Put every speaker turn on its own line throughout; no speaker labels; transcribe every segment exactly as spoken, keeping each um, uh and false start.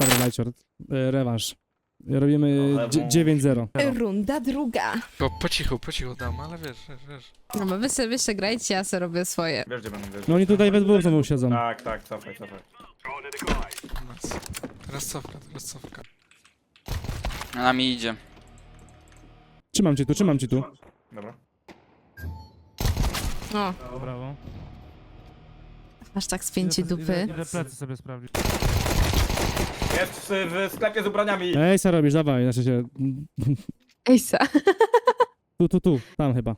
Dobra, Lajcior, e, rewanż. Robimy
No,
dzie- dziewięć zero.
Runda druga.
Po, po cichu, po cichu dam, ale wiesz, wiesz, wiesz.
No bo wy sobie, wy sobie grajcie, ja sobie robię swoje.
Wiesz gdzie będą, wiesz.
No oni tutaj we dwóch znowu siedzą.
Tak, tak, cofaj, cofaj.
Nice. Teraz cofka, teraz cofka.
Na nami idzie.
Trzymam cię tu, trzymam cię tu.
Dobra.
O,
Brawo.
aż tak spięcie dupy.
Idę plecy sobie sprawdzić.
Jest w, w sklepie z ubraniami.
Ej, co robisz? Dawaj, znaczy się...
Ejsa.
Tu, tu, tu, tam chyba.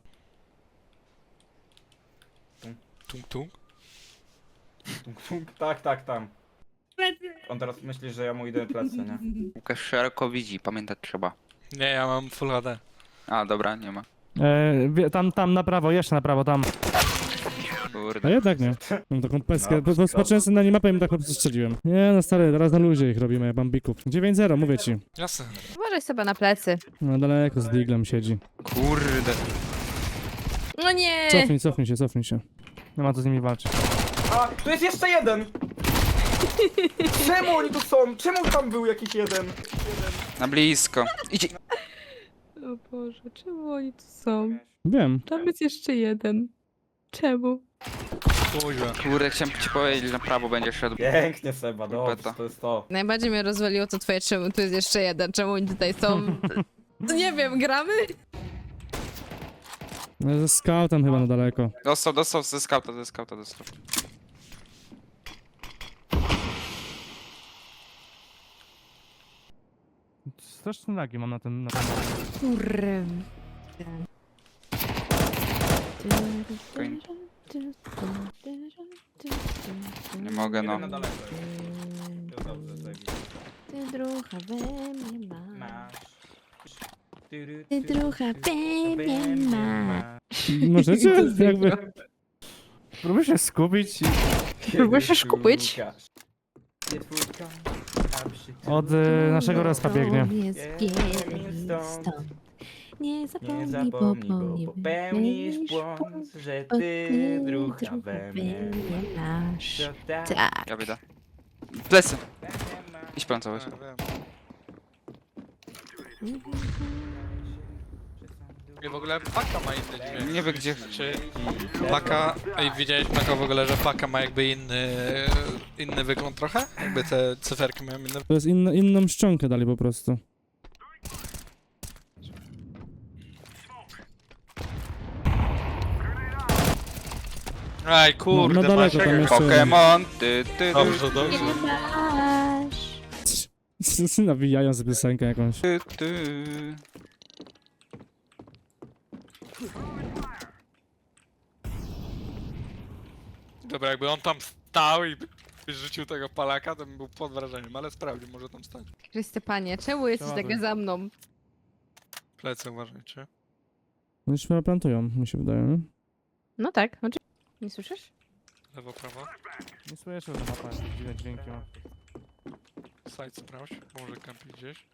Tung, tung.
Tung, tung. Tak, tak, tam. On teraz myśli, że ja mu idę plecy, nie?
Łukasz szeroko widzi, pamiętać trzeba.
Nie, ja mam full H D.
A, dobra, nie ma.
E, wie- tam, tam na prawo, jeszcze na prawo, tam. A
Kurde.
jednak nie. Mam taką peskę,
No,
po prostu patrzyłem sobie na nie mapę i mi tak po prostu strzeliłem. Nie no stary, teraz na luzie ich robimy, bambików. dziewięć zero, mówię ci.
Jasne.
Uważaj sobie na plecy.
No daleko z diglem siedzi.
Kurde.
No nie!
Cofnij, cofnij się, cofnij się. Nie ma co z nimi walczyć.
A, tu jest jeszcze jeden! Czemu oni tu są? Czemu tam był jakiś jeden?
Na blisko. Idzie.
O Boże, czemu oni tu są?
Wiem.
Tam jest jeszcze jeden. Czemu?
Kuźwa.
Kurde, chciałem ci powiedzieć, że na prawo będzie szedł.
Pięknie Seba, dobrze,
Beta.
to jest to.
Najbardziej mnie rozwaliło to twoje, czemu tu jest jeszcze jeden, czemu oni tutaj są? To nie wiem, gramy?
No, ze scoutem chyba na daleko.
Dostał, dostał ze skauta, ze skauta dostał.
Straszne lagi mam na tym, na tym.
Kurwa.
Nie mogę, no.
Jeden na daleko jest. Jest dobrze, zajebiście.
Ty drucha we mnie ma.
Masz.
Ty drucha we mnie ma.
Możecie jakby... Próbuję się skupić i...
Próbuję się skupić.
Od y, naszego respa biegnie.
Jest stąd. Nie
Nie
zapomnij, bo
zapomnij, bo
popełnisz
popełnisz błąd, że ty drucha we mnie
masz.
To tak.
Tak.
Ja bieda. Plecy. Idź plancować.
Wiem, wiem. I w ogóle paka ma inny dźwięk.
Nie wiem gdzie.
Czy paka... Ej, widziałeś paka w ogóle, że paka ma jakby inny... inny wygląd trochę? Jakby te cyferki mają inne...
To jest inno, inną szczękę dali po prostu.
Aj,
No,
kurde,
no daleko
masz-
tam jeszcze...
Pokémon. Ty, ty,
Dobrze, dobrze.
Masz.
Nawijają sobie piosenkę jakąś.
ty, ty.
Dobra, jakby on tam stał i by rzucił tego palaka, to bym był pod wrażeniem, ale sprawdź, może tam stać.
Chryste panie, czemu jesteś
Ładuj.
taka za mną?
Plecy uważajcie.
No już chyba plantują, mi się wydaje, nie?
No tak, oczywiście. Nie słyszysz?
Lewo, prawo.
Nie słyszę, że mapa jakieś dziwne dźwięki ma.
Side sprawdź, bo może kampi gdzieś.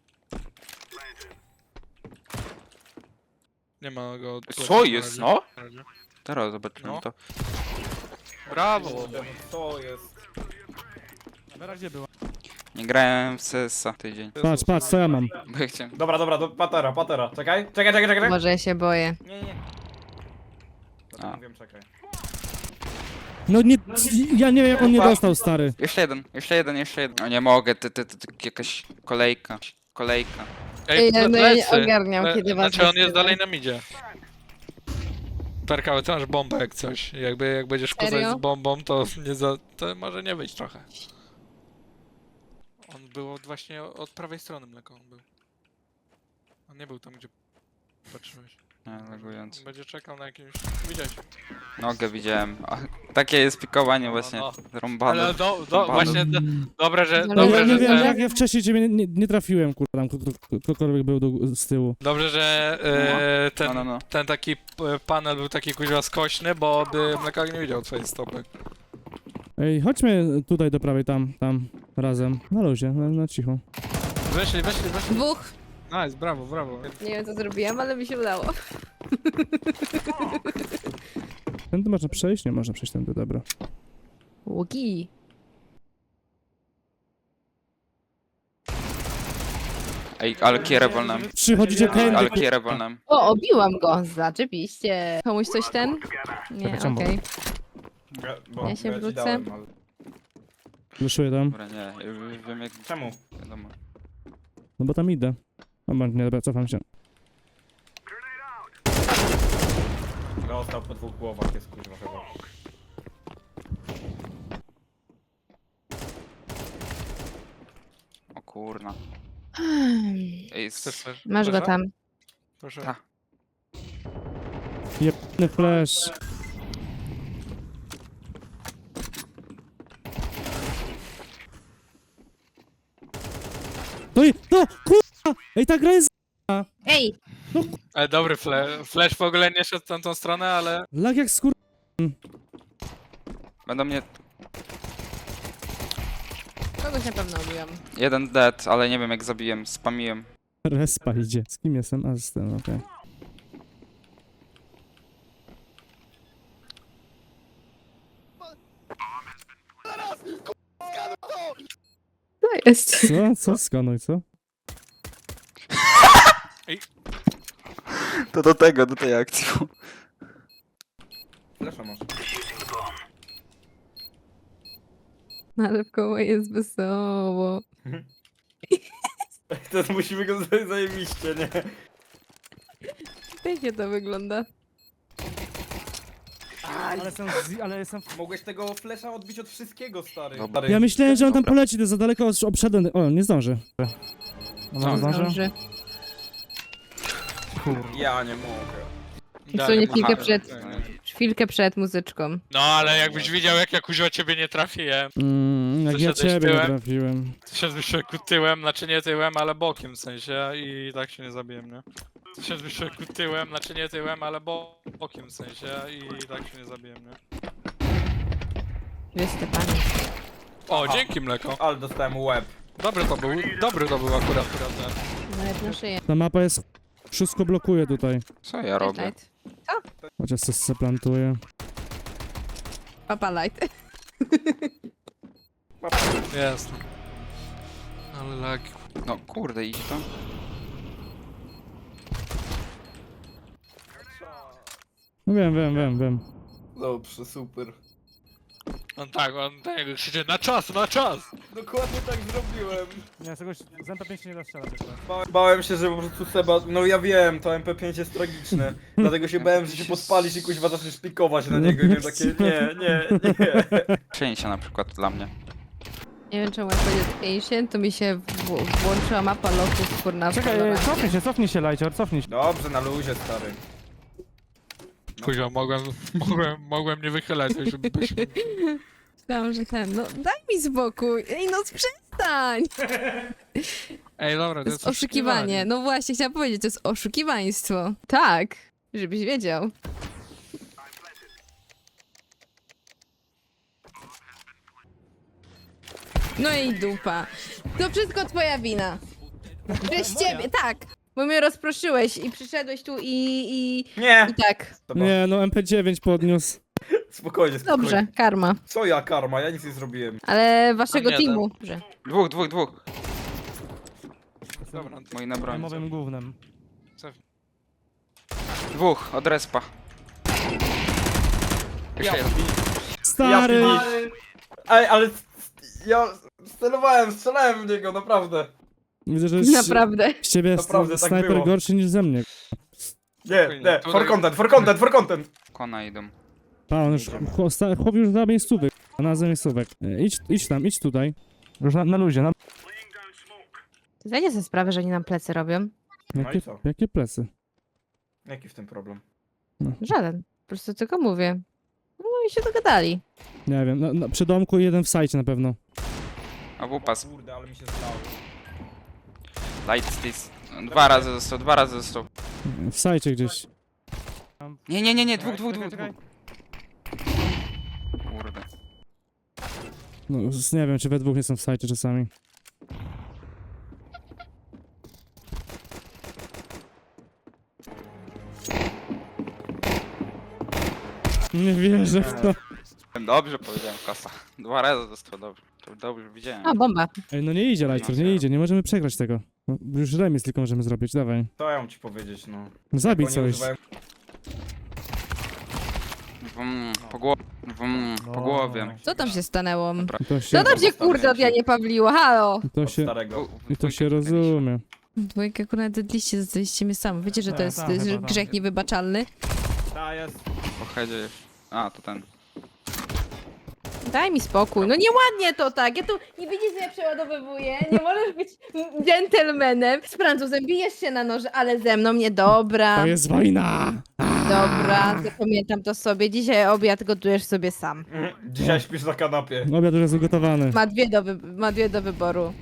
Nie ma go... od plecy
Co
na
jest,
razie.
no?
Na razie.
Teraz zobaczymy
No.
to.
Brawo!
Co jest?
Na razie była.
Nie grałem w C S a tydzień.
Patrz, patrz, co ja mam.
Bo ja chciałem.
Dobra, dobra, do patera, patera. Czekaj, czekaj, czekaj, czekaj.
Może ja się boję.
Nie, nie.
A.
Dobra, wiem, czekaj.
No nie, ja nie wiem jak on nie dostał, stary.
Jeszcze jeden, jeszcze jeden, jeszcze jeden. No nie mogę, ty, ty, ty, ty jakaś kolejka. Kolejka.
Ej,
ple-
no ja nie
plecy.
ogarniam,
Ple-
kiedy was
Znaczy on jest
wysyła.
dalej na midzie. Perkały, ty masz bombę jak coś. Jakby jak będziesz kuzać
Serio?
z bombą, to nie za... to może nie wyjść trochę. On był od właśnie od prawej strony mleko on był. On nie był tam gdzie patrzyłeś.
Nie, lagując.
On będzie czekał na jakimś... Widziałeś.
Nogę widziałem. O, takie jest pikowanie właśnie.
no.
Rąbane.
Ale do, do,
Bardzo.
właśnie do, dobre, że...
No,
No,
Dobrze,
ja
że
nie wiem,
te-
jak ja wcześniej ciebie nie, nie trafiłem, kurwa, tam kto- kto- ktokolwiek był do, z tyłu.
Dobrze, że e, ten,
No, no, no.
ten taki p- panel był taki kuźwa skośny, bo by mlekak nie widział twojej stopy.
Ej, chodźmy tutaj do prawej, tam, tam, razem. Na luzie, na, na cicho.
Weszli, weszli, weszli.
Dwóch.
Nice, brawo, brawo.
Nie wiem co zrobiłam, ale mi się udało.
Tędy można przejść? Nie można przejść tędy, dobra.
Łuki.
Ej, ale kierę wolnem.
Przychodzicie tędy,
Ale
kur-
kierę wolnem.
O, obiłam go, zaczepiście. Komuś coś ten? Nie,
Czekaj, czemu?
okej.
Ja, bo
Ja się
ci
wrócę.
dałem, ale...
Flashuję tam.
Dobra, nie, ja już wiem jak...
Czemu?
Wiadomo.
No bo tam idę. Dobra, nie, dobra, cofam się.
Dostał po dwóch głowach, jest kurwa chyba.
O kurna. Ej,
Chcesz
s-
też?
Masz go
Proszę?
tam.
Proszę.
Ta.
Jebny flash. No i, no, kurwa! Ej, ta gra jest
Ej!
Ale dobry flash. Flash w ogóle nie szedł w tamtą stronę, ale...
lag jak skur...
Będą mnie...
Kogoś na pewno obiłam.
Jeden dead, ale nie wiem jak zabiłem, spamiłem.
Respa idzie. Z kim jestem? A, z tym, okej.
To jest.
Co? Co? Skanuj, co?
To do tego, do tej akcji.
Flesza masz.
Ale w koło jest wesoło.
Teraz musimy go zaj- zajebiście, nie?
Pięknie to wygląda.
Ale jestem, ale jestem...
Mogłeś tego flesza odbić od wszystkiego, stary.
Dobra.
Stary.
Ja myślałem, że on tam
Dobra.
poleci, to za daleko os- obszedłem. O, nie zdąży.
Co?
Zdąży.
Ja nie mogę.
Dosłownie chwilkę
Aha.
przed, chwilkę przed muzyczką.
No ale jakbyś widział jak ja kuźwa ciebie nie trafiłem.
Mm, jak ja
Zeszedłeś
ciebie nie
tyłem?
trafiłem.
Ty się wyszedł tyłem, znaczy nie tyłem, ale bokiem w sensie i tak się nie zabiłem, nie? Ty się wyszedł tyłem, znaczy nie tyłem, ale bo bokiem w sensie i tak się nie zabiłem, nie?
Wiesz, Stefanie.
O, dzięki mleko.
Ale dostałem łeb.
Dobry to był, dobry to był akurat, prawda?
Nawet na szyję.
Ta mapa jest... Wszystko blokuje tutaj.
Co ja robię?
Light.
Chociaż coś se plantuje.
Papa light.
Jest. Ale lag.
No kurde, idź to.
No wiem, wiem, wiem, wiem.
Dobrze, super.
On tak, on tak jakby krzyczy na czas, na czas!
Dokładnie tak zrobiłem.
Nie, z tego z M P pięć nie da strzelać.
Ba bałem się, że po prostu Seba... No ja wiem, to M P pięć jest tragiczne. Dlatego się bałem, że się podpalisz i kuźwa zaczniesz pikować na niego i miałem takie... Nie, nie, nie.
Przejęcia na przykład dla mnie.
Nie wiem czemu jak będzie Ancient, to mi się w- włączyła mapa loków, kurna. w kolorach.
cofnij się, cofnij się, Lajcior, cofnij się.
Dobrze, na luzie, stary.
Kuźwa, mogłem, mogłem, mogłem nie wychylać, żebyś...
Myślałam, że ten, no daj mi spokój. Ej, no przestań!
Ej, dobra,
To jest oszukiwanie. No właśnie, chciałam powiedzieć, to jest oszukiwaństwo. Tak, żebyś wiedział. No i dupa. To wszystko twoja wina. Przez ciebie, tak. Bo mnie rozproszyłeś i przyszedłeś tu i, i,
Nie!
i tak.
Seba,
Nie, no M P dziewięć podniósł.
spokojnie, spokojnie.
Dobrze, karma.
Co ja, karma? Ja nic nie zrobiłem.
Ale waszego
nie,
teamu. Dobrze.
Dwóch, dwóch, dwóch.
Dobra,
Moi na broń.
Mowym głównym.
Dwóch, od respa. Jeszcze jeden.
Stary!
Ja, Ej, ale... Ja celowałem, strzelałem w niego, naprawdę.
Widzę, że z,
Naprawdę.
z ciebie jest
Naprawdę, tak
snajper
było.
gorszy niż ze mnie.
Nie, nie, for content, for content, for content.
Kona idą.
Pa, on już, chłop sta- chłop już za miejscówek, a na za miejscówek. E, Idź, idź tam, idź tutaj. Już na, na luzie, na...
Zdajcie sobie sprawę, że oni nam plecy robią?
No i
Jakie,
co?
jakie plecy?
Jaki w tym problem?
Żaden. Po prostu tylko mówię. No i się dogadali.
Nie wiem, na, na, przy domku i jeden w sajcie na pewno.
A wupas.
Kurde, ale mi się zdało.
Light stis. Dwa razy został, dwa razy został.
W sajcie gdzieś.
Nie, nie, nie, nie, dwóch, dwóch, dwóch, dwóch. Kurde.
No, z- nie wiem, czy we dwóch nie są w sajcie czasami. Nie wierzę w to.
Dobrze powiedziałem, kasa. Dwa razy został, dobrze. To dobrze widziałem.
A, bomba.
Ej, no nie idzie, Lajcur, nie idzie, nie możemy przegrać tego. No, już remis tylko możemy zrobić, dawaj.
Co ja mam ci powiedzieć, no.
No zabij
Oni
coś.
używają-
Wum, po głowie. Wum, po głowie.
Co tam się stanęło?
I to się,
Co tam się kurde od Janie Pawliło? Halo!
i to
od
się,
starego.
i to się rozumie.
Dwójkę akurat dedliście, zostaliście mnie sam. Wiecie, że to
Tak,
jest
tak,
y,
chyba tak.
grzech niewybaczalny?
Ta jest.
Po headzie jeszcze. A, to ten.
Daj mi spokój. No nieładnie to tak. Ja tu nie widzisz, że ja przeładowywuję. Nie możesz być dżentelmenem. Z Francuzem bijesz się na noże, ale ze mną nie. Dobra.
To jest wojna!
Dobra, zapamiętam to sobie. Dzisiaj obiad gotujesz sobie sam.
Mhm. Dzisiaj śpisz na kanapie.
Obiad już jest ugotowany.
Ma dwie do, wy- ma dwie do wyboru.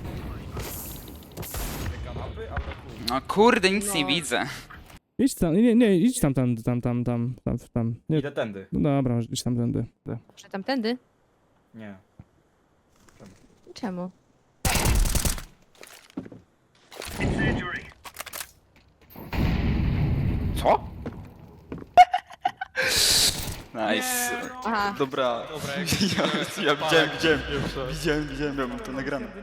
Kanapy? Ale chuj.
No kurde, nic
No.
nie widzę.
Idź tam, nie, nie, idź tam, tam, tam, tam, tam, tam, tam. Nie,
Idę tędy.
no dobra, idź tam tędy.
Może tamtędy?
Nie.
Czemu?
Co? Nice.
Aha.
Dobra.
Dobra, jak
Ja, ja widziałem, widziałem, widziałem, widziałem, miałem to nagrane.